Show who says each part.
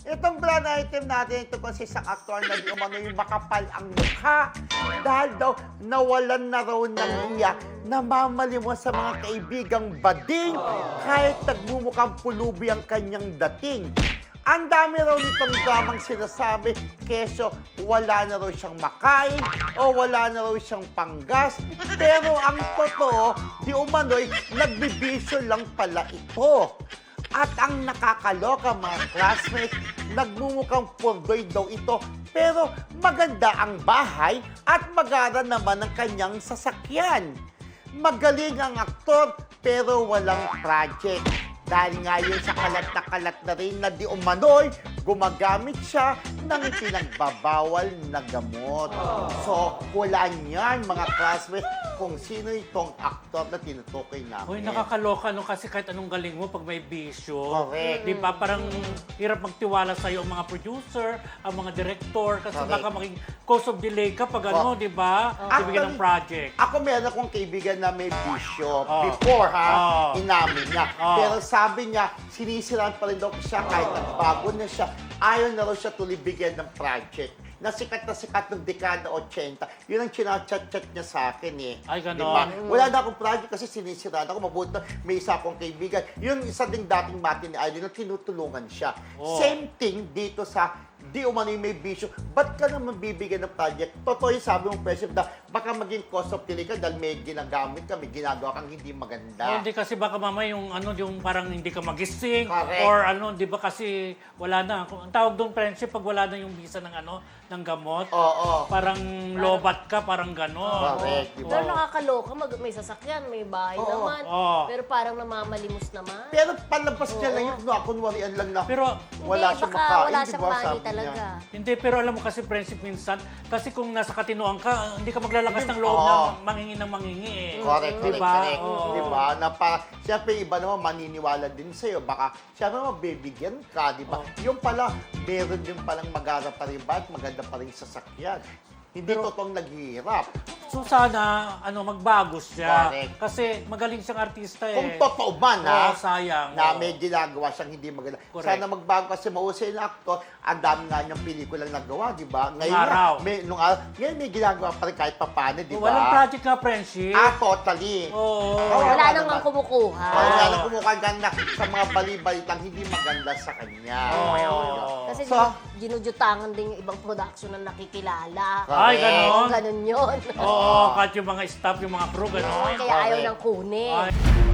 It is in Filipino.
Speaker 1: Itong brand item natin, ito kasi isang aktor na di umano yung makapal ang mukha. Dahil daw, nawalan na raw ng iya, namamalimos sa mga kaibigang bading kahit nagmumukhang pulubi ang kanyang dating. Ang dami raw nitong dramang sinasabi, keso wala na raw siyang makain o wala na raw siyang panggas. Pero ang totoo, di umano'y nagbibisyo lang pala ito. At ang nakakaloka mga classmates, nagmumukhang purdoy daw ito pero maganda ang bahay at magara naman ang kanyang sasakyan. Magaling ang aktor pero walang project. Dahil ngayon sa kalat na rin na di umano'y, gumagamit siya ng pinagbabawal na gamot. So, wala niyan mga classmates kung sino itong aktor na tinutukoy namin.
Speaker 2: Uy, nakakaloka no kasi kahit anong galing mo pag may bisyo.
Speaker 1: Correct.
Speaker 2: Di ba? Parang hirap magtiwala sa'yo ang mga producer, ang mga director, kasi
Speaker 1: Correct.
Speaker 2: baka maging cause of delay ka pag ano, di ba? Bibigyan ng project.
Speaker 1: Ako meron akong kaibigan na may bisyo. Before, inamin niya. Pero sabi niya, sinisiraan pa rin daw siya kahit nagbago na siya. Ayaw na raw siya tuloy bigyan ng project. Na sikat ng dekada 80. Yun ang chinachat-chat niya sa akin eh.
Speaker 2: Ay, ganon.
Speaker 1: Diba? Wala na akong project kasi sinisiraan ako. Mabuti na may isa akong kaibigan. Yung isa ding dating mati ni Idol na tinutulungan siya. Same thing dito sa di umano yung may bisyo. Ba't ka naman bibigyan ng project? Totoo yung sabi mong President na baka maging cost of delay ka dahil may ginagamit ka, may ginagawa kang hindi maganda.
Speaker 2: Hindi kasi baka mamaya yung ano yung parang hindi ka magising.
Speaker 1: Correct.
Speaker 2: Or ano, di ba kasi wala na. Ang tawag doon friendship pag wala na yung visa ng ano, ng gamot.
Speaker 1: Oo.
Speaker 2: Parang lobat ka, parang gano'n.
Speaker 1: Correct, di
Speaker 3: Pero
Speaker 1: ba?
Speaker 3: nakakaloka, may sasakyan, may bahay naman. Pero parang namamalimos naman.
Speaker 1: Pero palabas niya lang yun, kunwarian lang na
Speaker 2: Pero
Speaker 1: wala
Speaker 3: Hindi,
Speaker 1: siyang
Speaker 3: baka
Speaker 1: makain,
Speaker 3: wala
Speaker 1: di
Speaker 3: siyang
Speaker 1: ba?
Speaker 3: money
Speaker 1: Sabi niya.
Speaker 3: talaga.
Speaker 2: hindi, pero alam mo kasi friendship minsan, kasi kung nasa katinoan ka, hindi ka maglalakas ng loob
Speaker 1: Oo.
Speaker 2: na manghingi ng manghingi eh.
Speaker 1: Correct,
Speaker 2: Diba?
Speaker 1: correct.
Speaker 2: Oo.
Speaker 1: Diba? Na pa, siyempre, iba naman maniniwala din sa'yo. Baka, siyempre, mabibigyan ka, di ba? Yung pala, meron din palang magara pa rin ba at maganda pa rin sasakyan. Hindi totoong naghihirap.
Speaker 2: So sana, magbago siya.
Speaker 1: Correct.
Speaker 2: Kasi magaling siyang artista eh.
Speaker 1: Kung totoo man, ha?
Speaker 2: Oo, sayang.
Speaker 1: Na
Speaker 2: Oo.
Speaker 1: may ginagawa siyang hindi maganda.
Speaker 2: Correct.
Speaker 1: Sana magbago kasi mahusay na aktor. Ang dami nga niyang pelikulang nagawa, di ba? Ngayon
Speaker 2: araw.
Speaker 1: Nung araw. Ngayon may ginagawa pa rin kahit papano, di ba?
Speaker 2: Walang project nga, friendship.
Speaker 1: Totally.
Speaker 2: Oo.
Speaker 3: Wala
Speaker 1: naman.
Speaker 3: namang kumukuha.
Speaker 1: Wala na kumukha ganda sa mga bali-balitang hindi maganda sa kanya.
Speaker 3: Kasi
Speaker 1: So,
Speaker 3: ginujutangan din yung ibang production na nakikilala.
Speaker 2: Ay, ganon.
Speaker 3: Ganun yun.
Speaker 2: Oo, kahit yung mga staff, yung mga crew, gano'n.
Speaker 3: Kaya ayaw
Speaker 1: Correct.
Speaker 3: nang kunin.
Speaker 2: Ay.